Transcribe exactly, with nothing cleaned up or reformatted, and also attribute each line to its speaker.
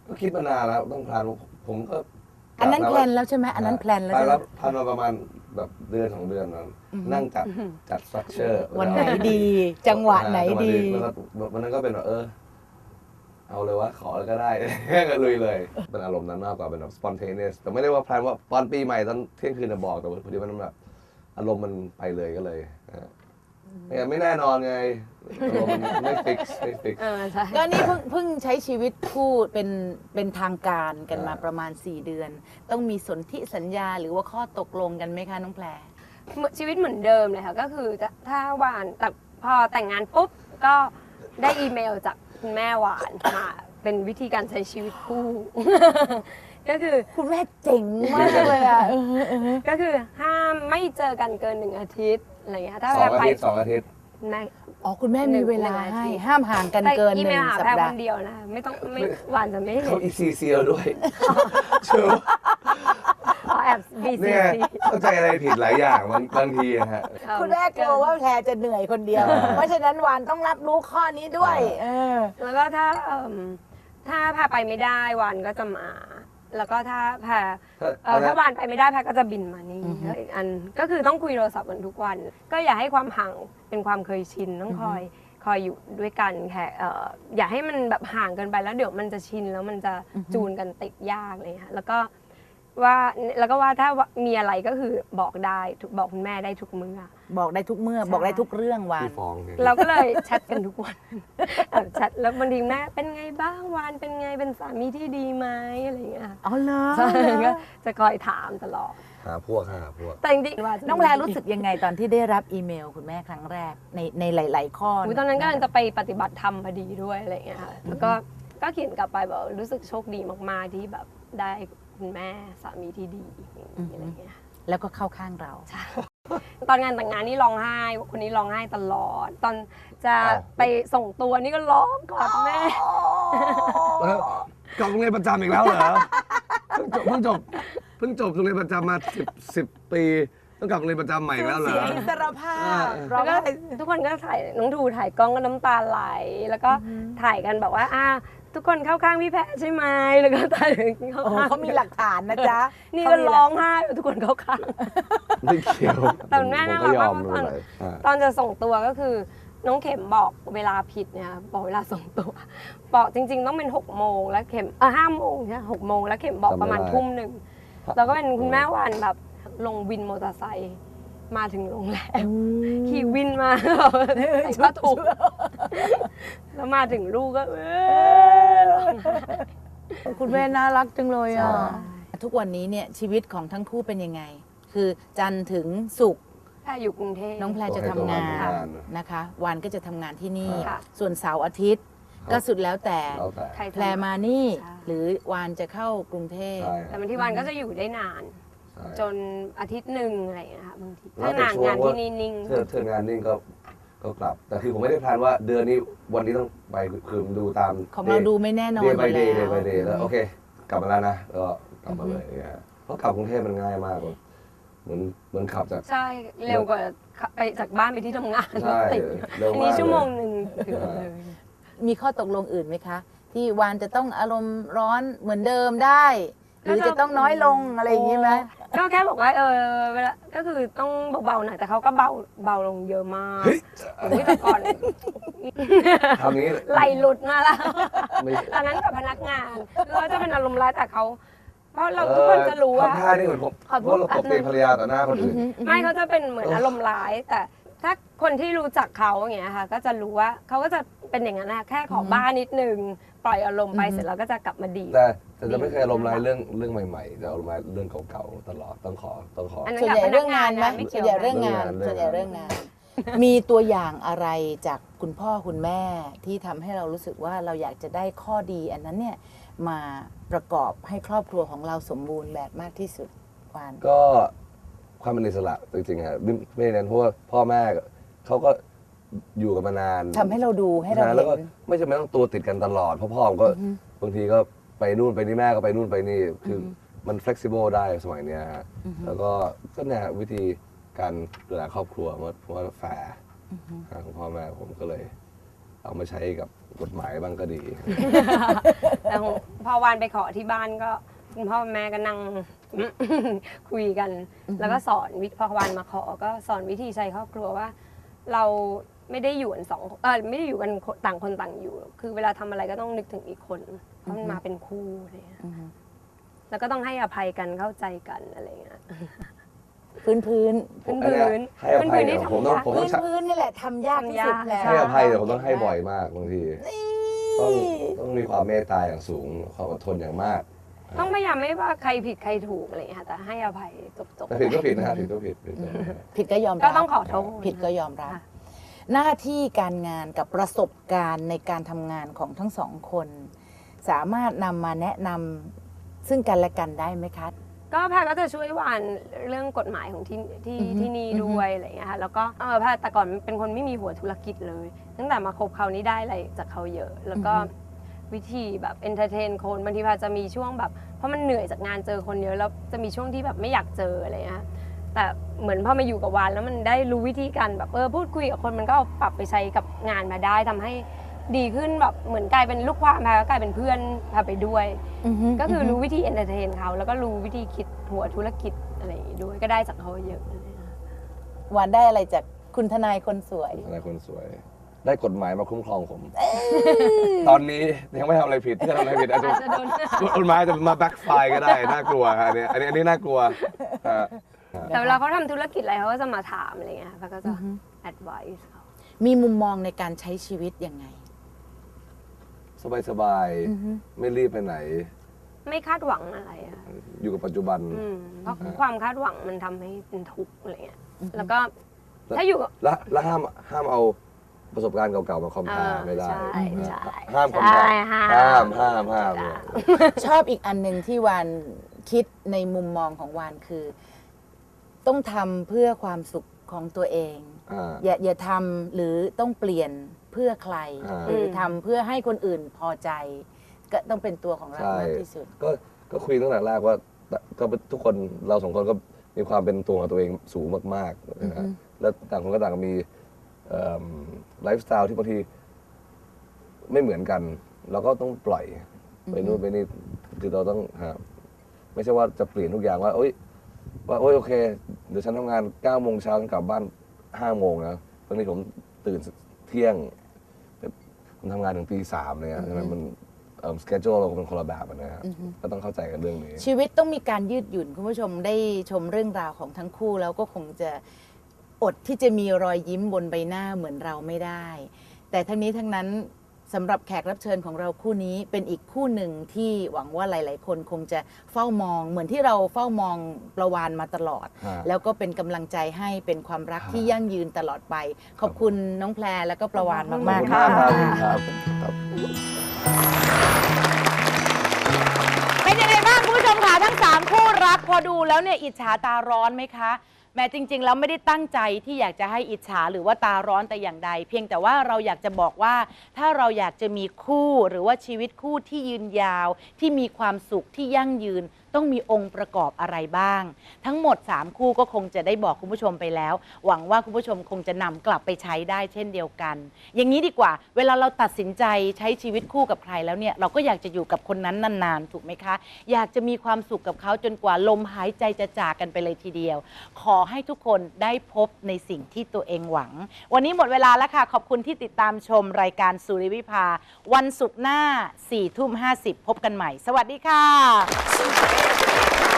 Speaker 1: ก็คิดมานานแล้วต้องพลานผมก็
Speaker 2: อันนั้นแพลนแล้วใช่ไหมอันนั้นแพลนแล้ว
Speaker 1: ไป
Speaker 2: ใช่ไหม
Speaker 1: แล้วพลานมาประมาณแบบเดือนของเดือนนั้นนั่งจัดจัดสตรัคเจอร์
Speaker 2: วันไหนดี จังหวะไหนดี
Speaker 1: วันนั้นก็เป็นแบบเออเอาเลยว่าขอแล้วก็ได้ ก็ลุยเลยเป็นอารมณ์นั้นมากกว่าเป็นแบบ spontaneous แต่ไม่ได้ว่าแพลนว่าตอนปีใหม่ตอนเที่ยงคืนจะบอกแต่พอดีมันแบบอารมณ์มันไปเลยก็เลยไม่แน่นอนไงอารมณ์มันไม่ฟิกไม่ฟิก
Speaker 3: เออใช่
Speaker 2: ก็นี่เพิ่งเพิ่งใช้ชีวิตคู่เป็นเป็นทางการกันมาประมาณสี่เดือน ต้องมีสนธิสัญญาหรือว่าข้อตกลงกันไหมคะน้องแพร
Speaker 3: ชีวิตเหมือนเดิมเลยค่ะก็คือจะถ้าหวานแต่พอแต่งงานปุ๊บก็ได้อีเมลจากคุณแม่หวานมาเป็นวิธีการใช้ชีวิตคู่ ก็คือ
Speaker 2: คุณแม่เจ๋งมากเลยอ่ะ
Speaker 3: ก็คือห้ามไม่เจอกันเกินหนึ่งอาทิตย์อะไรเงี้ยถ้า
Speaker 1: สองอา
Speaker 3: ไป
Speaker 1: ทิตย์สองอาทิตย์
Speaker 3: ใน
Speaker 2: อ๋อคุณแม่มีเวลา
Speaker 3: หนึ่ง
Speaker 2: ให้
Speaker 3: อาทิตย์
Speaker 2: ห้ามห่างกันเกิน
Speaker 3: อี
Speaker 2: ห
Speaker 3: เม
Speaker 2: นึ่
Speaker 3: ล
Speaker 2: ง
Speaker 3: หา
Speaker 2: สัป
Speaker 3: แพร
Speaker 2: ดา
Speaker 3: ค
Speaker 2: ห์
Speaker 3: นเดียวนะไม่ต้องไม่หวานจะไม่เห็
Speaker 1: เขา
Speaker 3: น
Speaker 1: อีซีเซียด้วยเชื่อ
Speaker 3: อ๋อแอบบีซี
Speaker 1: เนี่ย
Speaker 3: ซี
Speaker 1: เข้าใจอะไรผิดหลายอย่างบางบางทีอะฮะ
Speaker 2: คุณแม่กลัวว่าแพรจะเหนื่อยคนเดียว
Speaker 1: อ่า
Speaker 2: เพราะฉะนั้นวานต้องรับรู้ข้อนี้ด้วย เออ
Speaker 3: แล้วก็ถ้าเอิ่มถ้าแพรไปไม่ได้วานก็จะมา แล้วก็ถ้าแพร
Speaker 1: ถ้า
Speaker 3: เอ่อถ้าวานไปไม่ได้แพรก็จะบินมานี่แล้วอีกอันก็คือต้องคุยโทรศัพท์กันทุกวัน ก็อย่าให้ความห่างเป็นความเคยชินต้องคอยคอยอยู่ด้วยกันแค่เอ่ออย่าให้มันแบบห่างเกินไปแล้วเดี๋ยวมันจะชินแล้วมันจะจูนกันติดยากเลยค่ะแล้วก็ว่าแล้วก็ว่าถ้ามีอะไรก็คือบอกได้ทุกบอกคุณแม่ได้ทุกมื้อ
Speaker 2: บอกได้ทุกเมื่อ
Speaker 3: ใช่
Speaker 2: บอกได้ทุกเรื่องวาน
Speaker 1: พี่ฟองเนี่ย
Speaker 3: เราก็เลยแชทกันทุกวัน แอบแชทแล้วบางทีแม่เป็นไงบ้างวานเป็นไงเป็นสามีที่ดีไหมอะไรอย่างเงี้ยค่ะ
Speaker 2: อ๋อเหรอ
Speaker 3: ใช่ก็จะคอยถามตลอด
Speaker 1: หาพวกหาพวก
Speaker 3: แต่จริงๆว่าจะ
Speaker 2: น้องแพรรู้สึกยังไงตอนที่ได้รับอีเมลคุณแม่ครั้งแรกในในหลาย ๆ ข้อ
Speaker 3: อุ๊ยตอนนั้นก็จะไปปฏิบัติธรรมพอดีด้วยอะไรอย่างเงี้ยค่ะแล้วก็ก็เขียนกลับไปบอกรู้สึกโชคดีมากๆที่แบบได้คุณแม่สามีที่ดีอะไรอย่างเงี้ย
Speaker 2: แล้วก็เข้าข้างเรา
Speaker 3: ตอนงานแต่งงานนี่ร้องไห้คนนี้ร้องไห้ตลอด ตอนจะ
Speaker 1: อ้าว
Speaker 3: ไปส่งตัวนี่ก็ร้องกอดแม่
Speaker 1: แล้วกลับโรงเรียนประจำอีกแล้วเหรอเพิ่งจบเพิ่งจบเพิ่งจบโรงเรียนประจำมาสิบสิบปีต้องกลับโรงเรียนประจำใหม่อีกแล้วเหรอ
Speaker 2: เสียอิสรภาพ
Speaker 3: แล้วก็ทุกคนก็ถ่ายน้องทูถ่ายกล้องก็น้ำตาไหล แล้วก็ถ่ายกันแบบว่าอ่าทุกคนเข้าข้างพี่แพะใช่ไหมแล้วก็ถ่ายเข้า
Speaker 2: โอ้โห
Speaker 3: ข้าง
Speaker 2: เขามีหลักฐานนะจ๊ะ
Speaker 3: นี่
Speaker 2: เขา
Speaker 3: ก็
Speaker 2: มีหลั
Speaker 3: ร้องไห้ทุกคนเข้าข้าง
Speaker 1: ไม่เกี่ยว
Speaker 3: แต่แม่น่ารักมาก
Speaker 1: ผ
Speaker 3: เพราะตอน
Speaker 1: ไยอมไม่เป็นไรอ่า
Speaker 3: ตอนจะส่งตัวก็คือน้องเข็มบอกเวลาผิดเนี่ยบอกเวลาส่งตัว บอกจริง ๆ ต้องเป็นหกโมงแล้วเข็มเออห้าโมงใช่หกโมงแล้วเข็มบอกประมาณทุ่มหนึ่งแล้วก็เป็นคุณแม่วานแบบลงวินมอเตอร์ไซค์มาถึงโรงแรมขี่วินมาใส่ผ้าถุงแล้วมาถึงลูกก็เออ
Speaker 2: คุณแม่น่ารักจังเลยอ่ะ
Speaker 3: ใช่
Speaker 2: ทุกวันนี้เนี่ยชีวิตของทั้งคู่เป็นยังไง คือจันทร์ถึงศุกร์
Speaker 3: แพรอยู่กรุงเทพ
Speaker 2: น้องแพรจะทำงาน
Speaker 1: ตัวให้ตัวทำงาน
Speaker 2: นะคะวานก็จะทำงานที่นี่
Speaker 3: ค่ะ
Speaker 2: ส่วนเสาร์อาทิตย์ ก็สุดแล้วแต่
Speaker 1: แล้วแต่
Speaker 3: ใคร
Speaker 2: แพรมานี่
Speaker 3: ใช่
Speaker 2: หรือวานจะเข้ากรุงเทพ
Speaker 1: ใช่
Speaker 3: แต่บางทีวันก็จะอยู่ได้นาน
Speaker 1: ใช่
Speaker 3: จนอาทิตย์หนึ่งอะไรอย่างเงี้ยค่ะบางที
Speaker 1: แล้ว
Speaker 3: ถ้างาน
Speaker 1: แต่ช่วง
Speaker 3: งานที่
Speaker 1: ว่า
Speaker 3: นี่นิ่ง
Speaker 1: เธอเธองานนิ่งก็ก็กลับ แต่คือผมไม่ได้แพลนว่าเดือนนี้วันนี้ต้องไปคือดูตาม
Speaker 2: ของเราดูไม่แน่นอน
Speaker 1: เดย์
Speaker 2: อ
Speaker 1: ไป
Speaker 2: ยู่
Speaker 1: เด
Speaker 2: แล้
Speaker 1: ย์เดย์ไป
Speaker 2: ว
Speaker 1: เดย์แล้วโอเค กลับมาแล้วนะแล้วก็กลับมาเลยอย่างเงี้ยเพราะกลับกรุงเทพมันง่ายมากเลยเหมือนเหมือนขับจาก
Speaker 3: ๆ ใช่เร็วกว่าไปจากบ้านไปที่ทำงาน
Speaker 1: ใช่
Speaker 3: ติด
Speaker 1: เร็ว
Speaker 3: อัน
Speaker 1: มาก
Speaker 3: นี้ชั่วโมง
Speaker 1: เลย
Speaker 3: หนึ่งถึงเลย
Speaker 2: มีข้อตกลงอื่นไหมคะ ที่วานจะต้องอารมณ์ร้อนเหมือนเดิมได้ หรือจะต้องน้อยลงอะไรอย่างนี้ไหม
Speaker 3: ก็แค่บอกว่าเออเวลาก็คือต้องเบาๆหน่อยแต่เขาก็เบาเบาลงเยอะมาก
Speaker 1: เฮ้ย
Speaker 3: โอ้ยแต่ก่อน
Speaker 1: ทำนี้
Speaker 3: ไหลหลุดมาแล้ว
Speaker 1: ไม่
Speaker 3: ตอนนั้นกับพนักงานเราจะเป็นอารมณ์ร้ายแต่เขาเพราะเราทุกคนจะรู้ว่า
Speaker 1: ทำท่านี่เหมือนผม
Speaker 3: ขอโทษ
Speaker 1: ว่าเราตบตีภรรยาต่อหน้าคนอื่น
Speaker 3: ไม่เขาจะเป็นเหมือนอารมณ์ร้าย แต่ถ้าคนที่รู้จักเขาอย่างเงี้ยค่ะ ก็จะรู้ว่าเขาก็จะเป็นอย่างนั้นนะแค่ขอบ้านนิดนึงปล่อยอารมณ์ไปเสร็จแล้วก็จะกลับมาดี
Speaker 1: แต่แต่จะไม่เคยอารมณ์ร้ายเรื่องเรื่องใหม่ๆจะอารมณ์ร้ายเรื่องเก่าๆตลอดต้องขอต้องขอ
Speaker 3: อันนั้น
Speaker 2: ส่วนใหญ่เรื่องงานไหม
Speaker 3: ไม่เกี่
Speaker 2: ส่
Speaker 3: ยว
Speaker 2: วนใหญ่เรื่องงาน
Speaker 1: เรื่องงาน
Speaker 2: ส่วนใหญ่เรื่องงาน มีตัวอย่างอะไรจากคุณพ่อคุณแม่ที่ทำให้เรารู้สึกว่าเราอยากจะได้ข้อดีอันนั้นเนี่ยมาประกอบให้ครอบครัวของเราสมบูรณ์แบบมากที่สุดวาน
Speaker 1: ก็ความเป็นอิสระจริงๆครับไม่ไม่ได้เน้นเพราะว่าพ่อแม่เขาก็อยู่กันมานาน
Speaker 2: ทำให้เราดูให้เรา
Speaker 1: นาน
Speaker 2: เห็
Speaker 1: แล้วก็
Speaker 2: น
Speaker 1: ไม่จำเป็นต้องตัวติดกันตลอดเพราะพ่อผมก็บางทีก็ไปนู่นไปนี่แม่ก็ไปนู่นไปนี่คือมัน flexible ได้สมัยเนี้ยฮะแล้วก็ก็เนี่ยวิธีการดูแลครอบครัวว่าว่าแฟร์ของพ่อแม่ผมก็เลยเอามาใช้กับกฎหมายบ้างก็ดี
Speaker 3: แต่ของพอวานไปขอที่บ้านก็คุณพ่อแม่ก็นั่ง คุยกัน แล้วก็สอนวิพอวานมาขอก็สอนวิธีใช้ครอบครัวว่า เราไม่ได้อยู่กันสองเออไม่ได้อยู่กันต่างคนต่างอยู่ คือเวลาทำอะไรก็ต้องนึกถึงอีกคนเพราะมันมาเป็นคู่อะไรเงี้ยแล้วก็ต้องให้อภัยกันเข้าใจกันอะไรเงี้ย
Speaker 2: พื้นพื้น
Speaker 3: พื้น
Speaker 1: อัน
Speaker 3: พื้
Speaker 1: เนี้ย
Speaker 3: น
Speaker 1: ให้อภัยเนี่ยผมต้อง
Speaker 3: พื้
Speaker 1: ผม
Speaker 3: น
Speaker 1: ต้อง
Speaker 2: พื้นพื้นนี่แหละทำยากที่สุดแล้ว
Speaker 1: ให้อภัยเนี่ยผมต้องให้บ่อยมากบางทีต้องต้องมีความเมตตาอย่างสูงความอดทนอย่างมาก
Speaker 3: ต้องพยายามไม่ว่าใครผิดใครถูกอะไรเงี้ยค่ะแต่ให้อภัยจบๆ
Speaker 1: แต่ผิดก็ผิดนะฮะผิดก็ผิดผิดก็ผิด
Speaker 2: ผิดก็ยอมรับ
Speaker 3: ก็ต้องขอโทษ
Speaker 2: ผิดก็ยอมรับ
Speaker 3: ค่ะ
Speaker 2: หน้าที่การงานกับประสบการณ์ในการทำงานของทั้งสองคน สามารถนำมาแนะนำซึ่งกันและกันได้ไหมคะ
Speaker 3: ก็แพรก็จะช่วยวานเรื่องกฎหมายของที่ที่
Speaker 2: อือฮึ
Speaker 3: ที่นี่ด้วยอะไรอย่างเงี้ยค่ะแล้วก็เออแพรแต่ก่อนเป็นคนไม่มีหัวธุรกิจเลย ตั้งแต่มาคบเขานี่ได้อะไรจากเขาเยอะ แล้วก็วิธีแบบเอนเตอร์เทนคนบางทีแพรจะมีช่วงแบบเพราะมันเหนื่อยจากงานเจอคนเยอะแล้วจะมีช่วงที่แบบไม่อยากเจออะไรเงี้ยแต่เหมือนพอมาอยู่กับวานแล้วมันได้รู้วิธีการแบบเออพูดคุยกับคนมันก็เอาปรับไปใช้กับงานมาได้ทำให้ดีขึ้นแบบเหมือนกลายเป็นลูกความแพรก็กลายเป็นเพื่อนแพรไปด้วย ก็คือรู้วิธีเอนเตอร์เทนเขาแล้วก็รู้วิธีคิดหัวธุรกิจอะไรอย่างงี้ด้วยก็ได้จากเขาเยอะเลยนะ
Speaker 2: หวานได้อะไรจากคุณทนายคนสวย
Speaker 1: อะไรคนสวย ได้กฎหมายมาคุ้มครองผม ตอนนี้ยังไม่ทำอะไรผิดที่ทำอะไรผิดอาจจะ
Speaker 3: อาจจะโดน
Speaker 1: กฎหมายจะมาแบ็คไฟก็ได้น่ากลัวฮะอันนี้อันนี้อันนี้น่ากลัวฮะ
Speaker 3: แต่เวลาเขาทำธุรกิจอะไรเขาก็จะมาถามอะไรเงี้ยแล้วก็จะ advice เขา
Speaker 2: มีมุมมองในการใช้ชีวิตยังไง
Speaker 1: สบายสบายๆไม่รีบไปไหน
Speaker 3: ไม่คาดหวังอะไรอะ
Speaker 1: อยู่กับปัจจุบัน
Speaker 3: อืมเพราะความคาดหวังมันทำให้เป็นทุกข์อะไรเงี้ยแล้วก็ถ้าอยู่กับ
Speaker 1: และและห้ามห้ามเอาประสบการณ์เก่าๆมาคอมเพล
Speaker 3: อ่า
Speaker 1: ไม่ได้
Speaker 3: ใช่ใช่
Speaker 1: ห้ามคอมเพล
Speaker 3: ใช่ห้าม
Speaker 1: ห้ามห้ามห้าม
Speaker 2: ชอบอีกอันหนึ่งที่วานคิดในมุมมองของวานคือ ต้องทำเพื่อความสุขของตัวเอง
Speaker 1: อ่า
Speaker 2: อย่าอย่าทำหรือต้องเปลี่ยนเพื่อใคร
Speaker 1: อ่า
Speaker 2: หรือทำเพื่อให้คนอื่นพอใจ ก็ต้องเป็นตัวของเรา
Speaker 1: ใช่
Speaker 2: มากที่สุด
Speaker 1: ก็ก็คุยตั้งแต่แรกว่าก็ทุกคนเราสองคนก็มีความเป็นตัวของตัวเองสูงมากๆนะฮะแล้วต่างคนก็ต่างมีไลฟ์สไตล์ที่บางทีไม่เหมือนกัน เราก็ต้องปล่อยไปนู่นไปนี่คือเราต้องฮะไม่ใช่ว่าจะเปลี่ยนทุกอย่างว่าโอ๊ยว่าโอ๊ยโอเค เดี๋ยวฉันทำงานเก้าโมงเช้าฉันกลับบ้านห้าโมงนะบางทีผมตื่นเที่ยงผมทำงานถึงตีสามเลยนะฉะนั้นมันสเกจ u l e เราเป็นคนละแบบนะฮะก็ต้องเข้าใจกันเรื่องนี้
Speaker 2: ชีวิตต้องมีการยืดหยุ่นคุณผู้ชมได้ชมเรื่องราวของทั้งคู่แล้วก็คงจะอดที่จะมีรอยยิ้มบนใบหน้าเหมือนเราไม่ได้ แต่ทั้งนี้ทั้งนั้นสำหรับแขกรับเชิญของเราคู่นี้เป็นอีกคู่หนึ่งที่หวังว่าหลาย ๆ คนคงจะเฝ้ามอง เหมือนที่เราเฝ้ามองประวานมาตลอด
Speaker 1: ฮะ
Speaker 2: แล้วก็เป็นกำลังใจให้เป็นความรัก
Speaker 1: ฮะ
Speaker 2: ที่ยั่งยืนตลอดไป ขอบคุณน้องแพรแล้วก็ประวาน
Speaker 3: ขอบคุณ
Speaker 2: มาก
Speaker 1: ขอบ
Speaker 2: ๆ
Speaker 1: คุณ
Speaker 2: ค่ะ
Speaker 1: มากครับครับ
Speaker 2: เป็นยังไงบ้างคุณผู้ชมคะทั้งสามคู่รักพอดูแล้วเนี่ยอิจฉาตาร้อนไหมคะแม้จริง ๆ แล้วไม่ได้ตั้งใจที่อยากจะให้อิจฉาหรือว่าตาร้อนแต่อย่างใด เพียงแต่ว่าเราอยากจะบอกว่าถ้าเราอยากจะมีคู่หรือว่าชีวิตคู่ที่ยืนยาวที่มีความสุขที่ยั่งยืน ต้องมีองค์ประกอบอะไรบ้าง ทั้งหมดสามคู่ก็คงจะได้บอกคุณผู้ชมไปแล้ว หวังว่าคุณผู้ชมคงจะนำกลับไปใช้ได้เช่นเดียวกัน อย่างนี้ดีกว่า เวลาเราตัดสินใจใช้ชีวิตคู่กับใครแล้วเนี่ยเราก็อยากจะอยู่กับคนนั้นนานๆถูกไหมคะ อยากจะมีความสุขกับเขาจนกว่าลมหายใจจะจากกันไปเลยทีเดียว ขอให้ทุกคนได้พบในสิ่งที่ตัวเองหวัง วันนี้หมดเวลาแล้วค่ะขอบคุณที่ติดตามชมรายการสุริวิภาวันศุกร์หน้าสี่ทุ่มห้าสิบพบกันใหม่ สวัสดีค่ะ